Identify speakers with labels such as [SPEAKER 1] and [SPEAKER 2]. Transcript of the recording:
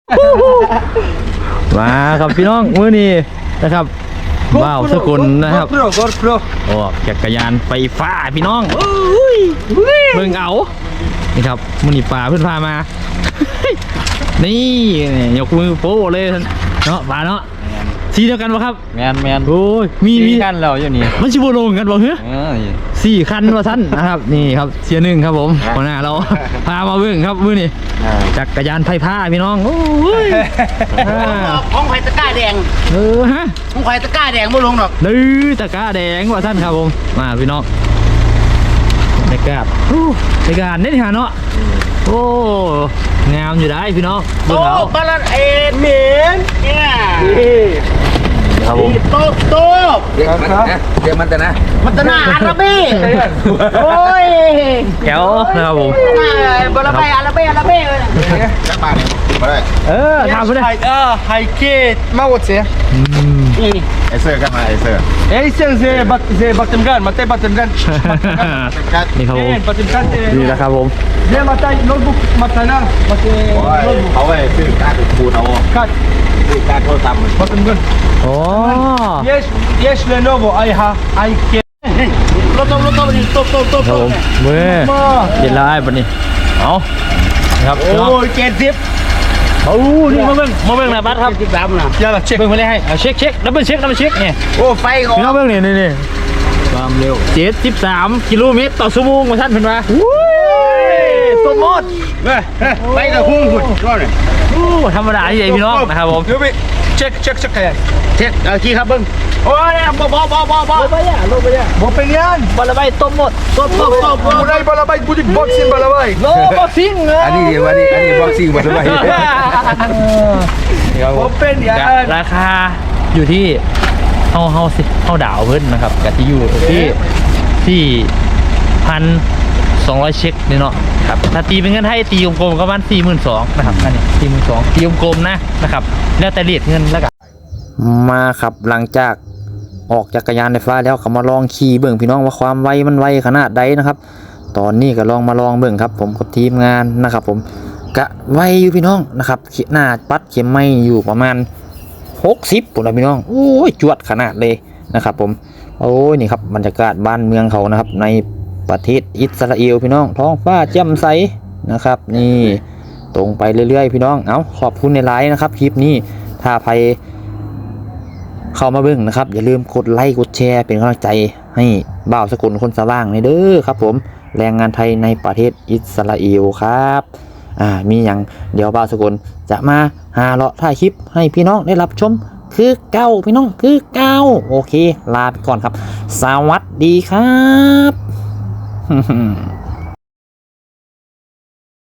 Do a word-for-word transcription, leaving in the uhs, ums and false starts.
[SPEAKER 1] มาครับพี่น้องมื้อนี้นะครับว้าวสกุลนะครับออกจักรยานไฟฟ้าพี่น้องเบิ่งเอานี่ครับมื้อนี้ป่าเพิ่นพามา นี่ยกมือโป้เลยเนาะป่าเนาะสีเดียวกันป่ะครับ
[SPEAKER 2] แมนแมน
[SPEAKER 1] โอ้ยมีมี
[SPEAKER 2] กันแล้วอยู่นี่
[SPEAKER 1] มันชิบูลงกันบ่เหรอสี่คันว่าท่านนะครับนี่ครับเสียหนึ่งครับผมหัวหน้าเราพามาเบิ่งครับมื้อนี้จักรยานไฟฟ้าพี่น้องโอ้ย
[SPEAKER 3] ของไผ่ตะก้าแดง
[SPEAKER 1] เออฮะ
[SPEAKER 3] ของไผ่ตะก้าแดงบ่ลงหรอก
[SPEAKER 1] ดื้อตะก้าแดงว่าท่านครับผมมาพี่น้องในกาดในกาดนี่ฮะเนาะโอ้งามอยู่ได้พี่น้อง
[SPEAKER 3] โอ้บาลานเอ็นเหม็นเนี่ย
[SPEAKER 1] ครับผม
[SPEAKER 3] โต๊ะโต๊ะ
[SPEAKER 2] เรียกมันนะเรียกมันแต่นะ
[SPEAKER 3] มันตะหน้าอาราเบ้โอ้ย
[SPEAKER 1] แก้วนะครับผม
[SPEAKER 3] บาลาเบ้อาราเบ้อาราเบ้เลย
[SPEAKER 2] จักบาทมาได้
[SPEAKER 1] เออทำไปเลย
[SPEAKER 3] เออไฮเกตมาหมดเสีย
[SPEAKER 2] ไอเซอร์กันมาไอเซอร์
[SPEAKER 3] ไอเซอร์เซบัตเซบัตเต็มกันมาเต้บัตเต็มกัน
[SPEAKER 1] นี่ครับผม
[SPEAKER 3] บัตเต็มกัน
[SPEAKER 1] นี่แหละครับผม
[SPEAKER 3] เนี่ยมาเต้โน้ตบุ๊กมาเต้นะมาเต้
[SPEAKER 2] เขาไปซื้อการ์ดคูณเอา
[SPEAKER 3] การ์ด
[SPEAKER 2] ซื้อการ์ดโทรศัพท์
[SPEAKER 3] บัตเต็มกัน
[SPEAKER 1] โอ้
[SPEAKER 3] yes yes Lenovo I have I can รถต้มรถต้มนี่ต้มต้มต้ม
[SPEAKER 1] ครับผมเว้ยเย็นแล้วไอ้บัดนี้เอาครับ
[SPEAKER 3] โอ้ยเจ็ดสิบ
[SPEAKER 1] โอ้นี่มาเบิ่งมาเบิ่งนะบัสครับ
[SPEAKER 3] สิบสามนะ
[SPEAKER 1] อย่าละเช็คเบิ่งมาเลยให้เอาเช็คเช็คดับเบิลเช็คดับเบิลเช็คเนี่ย
[SPEAKER 3] โอ้ไฟก่อน
[SPEAKER 1] พี่น้องเบิ่งนี่นี่นี่ความเร็วเจ็ดสิบสามกิโลเมตรต่อชั่วโมงมาท่านเพิ่นว่าสมมติ
[SPEAKER 3] ไปกับพุ่งหุ่นก็เลย
[SPEAKER 1] ธรรมดาที่ไหนพี่น้องนะครับผม
[SPEAKER 3] เดี๋ยวไปเช็คเช็คเช็คกันเช็คเอาขี้ครับเบิ่งโอ้ยบ่บ่บ่บ่บ่
[SPEAKER 1] ไปย่าลงไปย่า
[SPEAKER 3] บ่เป็นยัน
[SPEAKER 1] บอลใบต้มหมดต้มต้มต้ม
[SPEAKER 3] บุได้บอลใบบุดิบ็อกซิ่งบอลใบ
[SPEAKER 1] โลบ็อกซิ่ง
[SPEAKER 2] อันนี้อันนี้อันนี้บ็อกซิ่งบอลใบ
[SPEAKER 3] บ่เป็นยัน
[SPEAKER 1] ราคาอยู่ที่เฮาเฮาสิเฮาดาวเพิ่นนะครับกะที่อยู่ที่ที่พันสองร้อยเช็คนี่เนาะครับถ้าตีเป็นเงินไทยตีกลมๆก็ประมาณสี่หมื่นสองนะครับอันนี้สี่หมื่นสองตีกลมๆนะนะครับแล้วแต่เรทเงินแล้วกันมาครับหลังจากออกจักรยานไฟฟ้าแล้วเขามาลองขี่เบิ่งพี่น้องว่าความไวมันไวขนาดใดนะครับตอนนี้ก็ลองมาลองเบิ่งครับผมกับทีมงานนะครับผมกะไวอยู่พี่น้องนะครับหน้าปัดเข็มไม่อยู่ประมาณหกสิบปุ่นละพี่น้องโอ้ยจวดขนาดเลยนะครับผมโอ้ยนี่ครับบรรยากาศบ้านเมืองเขานะครับในประเทศอิสราเอลพี่น้องท้องฟ้าแจ่มใสนะครับนี่ตรงไปเรื่อยๆพี่น้องเอาขอบคุณในไลน์นะครับคลิปนี้ถ้าใครเข้ามาเบิ่งนะครับอย่าลืมกดไลค์กดแชร์เป็นกำลังใจให้บ่าวสกุลคนสว่างในเด้อครับผมแรงงานไทยในประเทศอิสราเอลครับอ่ามีอย่างเดี๋ยวบ่าวสกุลจะมาหาเลาะถ่ายคลิปให้พี่น้องได้รับชมคือเก้าพี่น้องคือเก้าโอเคลาไปก่อนครับสวัสดีครับ